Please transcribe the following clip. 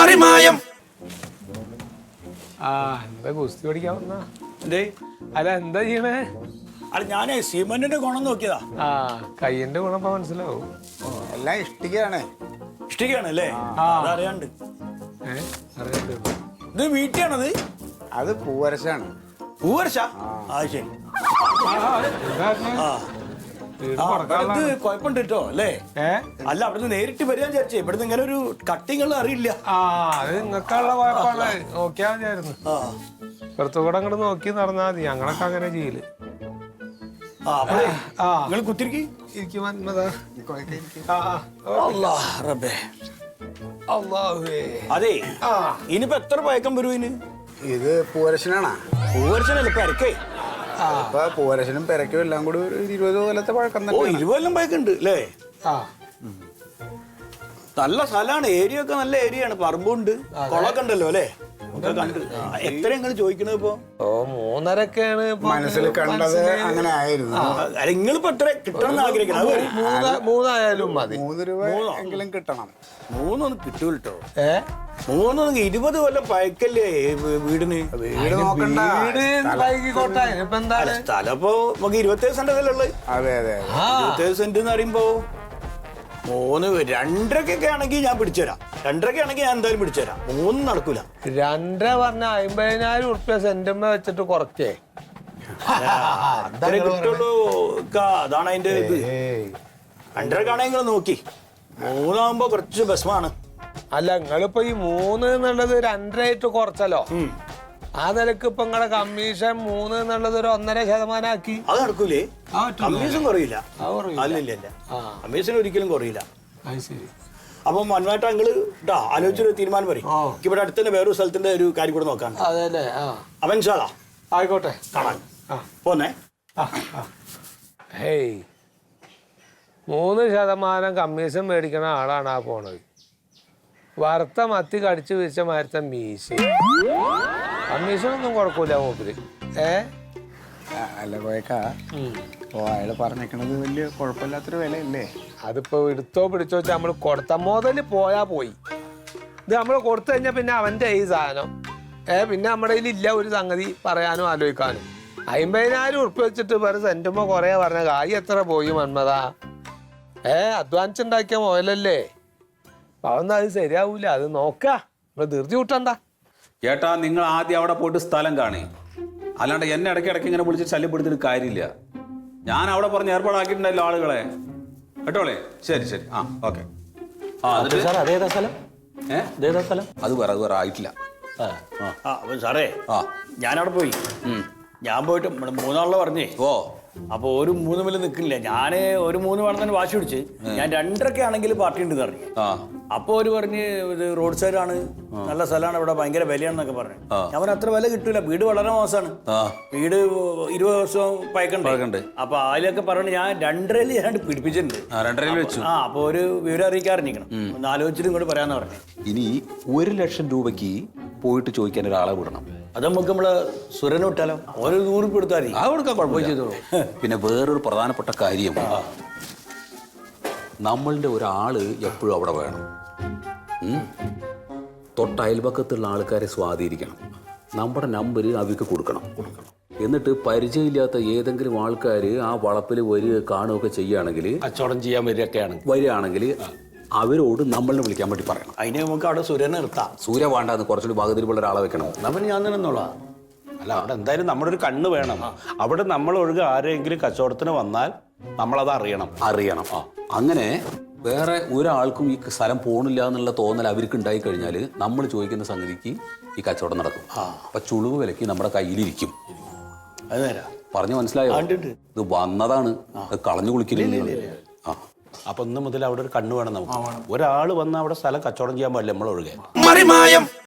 മറിമായം. എന്താ ഗുസ്തി പഠിക്കാവുന്ന അല്ല എന്താ ചെയ്യണേ? അല്ല ഞാനേ സിമന്റിന്റെ ഗുണം നോക്കിയതാ. കയ്യിന്റെ ഗുണം ഇപ്പൊ മനസ്സിലാവും. എല്ലാം ഇഷ്ടികയാണ്. ഇഷ്ടികയാണ് അല്ലേ? അതറിയാണ്ട്. ഇത് വീട്ടിയാണത്? അത് പൂവരശാണ്. പൂവരശ? ആ ശരി. ഇത് കുഴപ്പമുണ്ട് കേട്ടോ അല്ലേ? അല്ല അവിടുന്ന് നേരിട്ട് വരിക വിചാരിച്ചേ. ഇവിടുന്ന് ഇങ്ങനെ ഒരു കട്ടിങ്ങൾ അറിയില്ല. അത് നിങ്ങൾക്കുള്ള കുഴപ്പമാണ്. നോക്കിയാ മതിയായിരുന്നു. പുറത്തുകൂടെ അങ്ങോട്ട് നോക്കി നടന്നാ മതി. ഞങ്ങളൊക്കെ അങ്ങനെ ചെയ്യല്. നിങ്ങൾ കുത്തിരിക്കി അതെ. ഇനിയിപ്പോ എത്ര പയക്കം വരും ഇതിന്? ഇത് പൂവരശനാണോ? പൂവരശനല്ലേ പെരക്കേ? ഇപ്പൊ പൂവരശനും പെരക്കും എല്ലാം കൂടി ഒരു 20 കൊല്ലത്തെ പഴക്കം തന്നെ. 20 കൊല്ലം പയക്കുണ്ട് അല്ലേ? നല്ല സ്ഥലമാണ്. ഏരിയ ഒക്കെ നല്ല ഏരിയ ആണ്. പറമ്പുണ്ട്, കുളമൊക്കെ ഉണ്ടല്ലോ അല്ലേ? എത്ര നിങ്ങൾ ചോദിക്കണത് ഇപ്പൊ? 3.5 മനസ്സിൽ കണ്ടത് അങ്ങനെ ആയിരുന്നു. നിങ്ങളിപ്പോ എത്ര കിട്ടണം ആഗ്രഹിക്കണം? 3 മതി. 3 രൂപ എങ്കിലും കിട്ടണം. 3 കിട്ടൂ കേട്ടോ. 3 20 കൊല്ലം പയക്കല്ലേ വീടിന്? വീട് നോക്കണ്ട. സ്ഥലം ഇപ്പൊ നമുക്ക് 27 സെന്റ് ഉള്ളത്. അതെ അതെ. 27 സെന്റ് എന്ന് പറയുമ്പോ 2.5 ആണെങ്കിൽ ഞാൻ പിടിച്ചുതരാം. 2.5 ആണെങ്കിൽ ഞാൻ എന്തായാലും പിടിച്ചുതരാം. 3 നടക്കൂല. 2 പറഞ്ഞ 50,000 ഉറുപ്പ്യ സെന്റമ്മ വെച്ചിട്ട് കുറച്ചേ കിട്ടുള്ളൂ. അതാണ് അതിന്റെ ഇത്. 2.5 ആണെങ്കിൽ നോക്കി. 3 ആകുമ്പോ കുറച്ച് ബസ്മാണ്. അല്ല നിങ്ങളിപ്പോ ഈ 3 എന്നുള്ളത് 2.5 ആയിട്ട് കുറച്ചല്ലോ. ആ നിലക്ക് ഇപ്പൊ നിങ്ങളെ കമ്മീഷൻ 3 എന്നുള്ളത് ഒരു 1.5% ആക്കി. അത് നടക്കൂലേ? കമ്മീഷൻ കുറയില്ല. അല്ല കമ്മീഷൻ ഒരിക്കലും കുറയില്ല. അപ്പൊ മന്മായിട്ട് നിങ്ങള് ആലോചിച്ചൊരു തീരുമാനം പറയും. ഇവിടെ അടുത്ത് തന്നെ വേറൊരു സ്ഥലത്തിന്റെ ഒരു കാര്യം കൂടെ നോക്കാൻ. അവൻ സാധാ ആയിക്കോട്ടെ കാണാൻ പോന്നേ. 3% കമ്മീഷൻ മേടിക്കണ ആളാണ് ആ പോണത്. വറുത്ത മത്തി കടിച്ചു വീഴ്ച മാരത്തെ മീശ. കമ്മീഷനൊന്നും കുഴപ്പമില്ല മൂപ്പര്. അല്ല കോയക്കാ, അയാള് പറഞ്ഞേക്കണത് വലിയ കുഴപ്പമില്ലാത്തൊരു വിലയല്ലേ? അതിപ്പോ എടുത്തോ പിടിച്ചോ വെച്ചാൽ നമ്മള് കൊടുത്ത മുതല് പോയാ പോയി. ഇത് നമ്മൾ കൊടുത്തു കഴിഞ്ഞാൽ പിന്നെ അവന്റെ ഈ സാധനം പിന്നെ നമ്മുടെ കയ്യിലില്ല ഒരു സംഗതി പറയാനോ ആലോചിക്കാനോ. 50,000 ഉറുപ്പ്യ വെച്ചിട്ട് വേറെ സെന്റുമ്പോ കൊറേ പറഞ്ഞ കായ് എത്ര പോയി മന്മതാ? അധ്വാനിച്ചുണ്ടാക്കിയ മുതലല്ലേ? അതൊന്നും അത് ശരിയാവൂല. അത് നോക്കാ, നമ്മൾ ധൃതി കൂട്ടണ്ട. ചേട്ടാ, നിങ്ങൾ ആദ്യം അവിടെ പോയിട്ട് സ്ഥലം കാണി. അല്ലാണ്ട് എന്നെ ഇടയ്ക്ക് ഇങ്ങനെ വിളിച്ച് ശല്യപ്പെടുത്തിട്ട് കാര്യമില്ല. ഞാൻ അവിടെ പറഞ്ഞ് ഏർപ്പാടാക്കിയിട്ടുണ്ടല്ലോ ആളുകളെ. കേട്ടോളേ? ശരി ശരി. ഓക്കെ. അത് വേറെ ആയിട്ടില്ല. സാറേ ഞാനവിടെ പോയി. ഞാൻ പോയിട്ട് 3 ആളെ പറഞ്ഞേ. അപ്പൊ ഒരു 3 മില്ല് നിൽക്കില്ല. ഞാന് ഒരു 3 വേണം തന്നെ വാശി പിടിച്ച് ഞാൻ 2.5 ആണെങ്കിൽ പാർട്ടി ഉണ്ട് പറഞ്ഞു. അപ്പൊ ഒരു പറഞ്ഞ് ഇത് റോഡ് സൈഡ് ആണ്, നല്ല സ്ഥലമാണ്, ഇവിടെ ഭയങ്കര വിലയാണെന്നൊക്കെ പറഞ്ഞു. ഞാൻ അത്ര വില കിട്ടൂല, വീട് വളരെ മോശമാണ്, വീട് 20 വർഷം പയക്കണ്ട്. അപ്പൊ അതിലൊക്കെ പറഞ്ഞു ഞാൻ 2.5 ഞാൻ പിടിപ്പിച്ചിട്ടുണ്ട്. അപ്പൊ ഒരു വിവരം അറിയിക്കാറിഞ്ഞിരിക്കണം. ഒന്ന് ആലോചിച്ചിട്ട് ഇങ്ങോട്ട് പറയാന്ന് പറഞ്ഞു. ഇനി 1 ലക്ഷം രൂപയ്ക്ക് പോയിട്ട് ചോദിക്കാൻ ഒരാളെ വിടണം. അത് നമുക്ക് നമ്മള് സുരനെ വിട്ടാലോ? ഓരോ 100 രൂപ കൊടുത്താൽ മതി. കൊടുക്കാൻ കുഴപ്പമില്ല. പിന്നെ വേറൊരു പ്രധാനപ്പെട്ട കാര്യം, നമ്മളുടെ ഒരാള് എപ്പോഴും അവിടെ വേണം. തൊട്ടയൽപക്കത്തുള്ള ആൾക്കാരെ സ്വാധീനിക്കണം. നമ്മുടെ നമ്പർ അവർക്ക് കൊടുക്കണം. എന്നിട്ട് പരിചയമില്ലാത്ത ഏതെങ്കിലും ആൾക്കാർ ആ വളപ്പിൽ വരിക കാണുകയൊക്കെ ചെയ്യുകയാണെങ്കിൽ, കച്ചവടം ചെയ്യാൻ വരികയാണെങ്കിൽ അവരോട് നമ്മളെ വിളിക്കാൻ വേണ്ടി പറയണം. അതിന് നമുക്ക് അവിടെ സൂര്യനെ നിർത്താം. സൂര്യ വേണ്ടാന്ന് കുറച്ചുകൂടി ഭാഗത്തിലുള്ള ഒരാളെ വെക്കണം. നമ്മൾ ഞാൻ നിന്നോളാം. അല്ല, അവിടെ എന്തായാലും നമ്മുടെ ഒരു കണ്ണ് വേണം. അവിടെ നമ്മൾ ഒഴുക ആരെങ്കിലും കച്ചവടത്തിന് വന്നാൽ നമ്മളത് അറിയണം. അങ്ങനെ വേറെ ഒരാൾക്കും ഈ സ്ഥലം പോണില്ല എന്നുള്ള തോന്നൽ അവർക്ക് ഉണ്ടായി കഴിഞ്ഞാൽ നമ്മൾ ചോദിക്കുന്ന സംഗതിക്ക് ഈ കച്ചവടം നടക്കും. അപ്പൊ ചുളിവ് വിലക്ക് നമ്മുടെ കയ്യിലിരിക്കും. പറഞ്ഞു മനസ്സിലായോ? ഇത് വന്നതാണ്, കളഞ്ഞു കുളിക്കില്ല. അപ്പൊ 1 മുതൽ അവിടെ ഒരു കണ്ണ് വേണം നമുക്ക്. ഒരാൾ വന്ന് അവിടെ സ്ഥലം കച്ചവടം ചെയ്യാൻ പാടില്ല നമ്മൾ ഒഴുകെ. മറിമായം.